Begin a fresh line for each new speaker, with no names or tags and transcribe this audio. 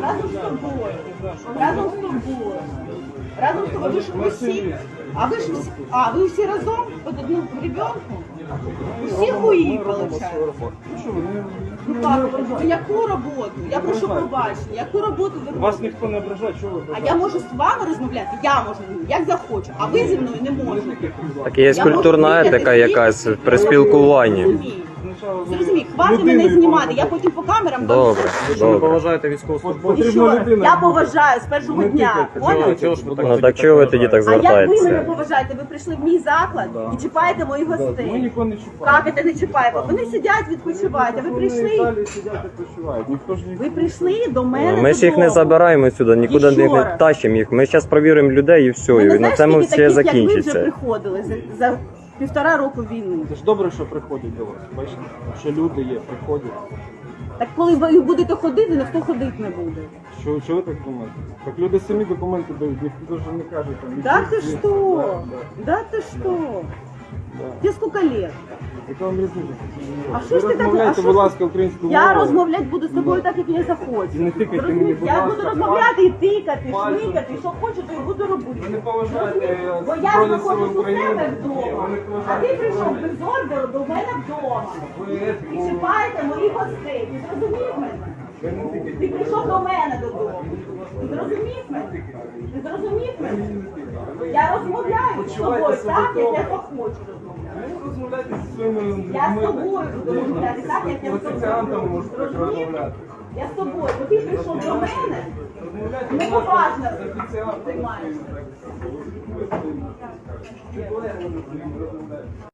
Разом з тобою. Разом з тобою. Разом з тобою. Ви всі. Ви всі разом? Під одну гребенку? Всі хуї, виходить. Ну так, яку роботу? Я прошу пробачення. Яку роботу ви робите?
Вас ніхто не ображає, чого ви
А я можу з вами розмовляти? Я можу, як захочу. А ви зі мною не можете.
Так є культурна етика якась при спілкуванні.
Зрозумій, хватить мене знімати, я потім по камерам...
Добре,
Що ви
добре.
поважаєте військовослужбовців?
І що? Я поважаю з першого дня. Поняли?
Ну так чого ви тоді так
А як ви мене
звертаєтеся?
поважаєте? Ви прийшли в мій заклад і чіпаєте моїх
Ми
гостей.
нікого не чіпаємо.
Як це не чіпаємо? Вони сидять, відпочивають, а ви
Вони
прийшли...
далі сидять і почувають. Ніхто ж
Ви прийшли до мене
Ми ж їх не
додому.
забираємо сюди, нікуди
І що
не
раз?
тащимо їх. Ми зараз перевіримо людей і все,
Ви
і
не
на
знаєш,
цьому
скільки
все
таких, як ви, вже
закінчиться.
приходили за 1,5 року війни?
Це ж добре, що приходять до вас. Бачите, що люди є, приходять.
Так коли ви будете ходити, ніхто ходити не буде.
Що ви так думаєте? Так люди самі документи дають, ніхто ж не каже там.
Да ты
які-
что?
Да,
Да ты что?
да.
Тебе сколько лет?
Яка вам різниця?
А що ж ти так- а
розмовляйте,
що
будь
ж-
ласка, українською
Я
мовою.
розмовляти буду з тобою так, як я захочу.
І не тикайте
Зрозумів?
мені, будь
Я
ласка,
буду розмовляти і тикати,
пальцем.
шмикати, що хочу, то і буду робити.
Ви не поважаєте
Зрозумів? Бо я
Збройні Сили
знаходжусь у
України.
себе
Ні, ви
вдома,
не
а
поважаєте
ти прийшов
Збройні.
без ордеру до мене вдома.
Ви
І
етику-
чіпаєте моїх гостей. Ти зрозумів мене?
ви не тикайте.
Ти прийшов до мене додому. Ти зрозумів мене? Ти зрозумів мене? Я розмовляю з тобою так, як я захочу розмовляти.
Ви розмовляйте зі своїми людьми.
Я з тобою буду розмовляти так, як я з
Офіціантами
тобою.
можете
Зрозумів?
розмовляти.
Я з тобою, бо ти прийшов до мене,
Розмовляйте,
не
будь ласка,
поважно
з офіціантами.
приймаєш.
Чи колеги можуть розмовляти?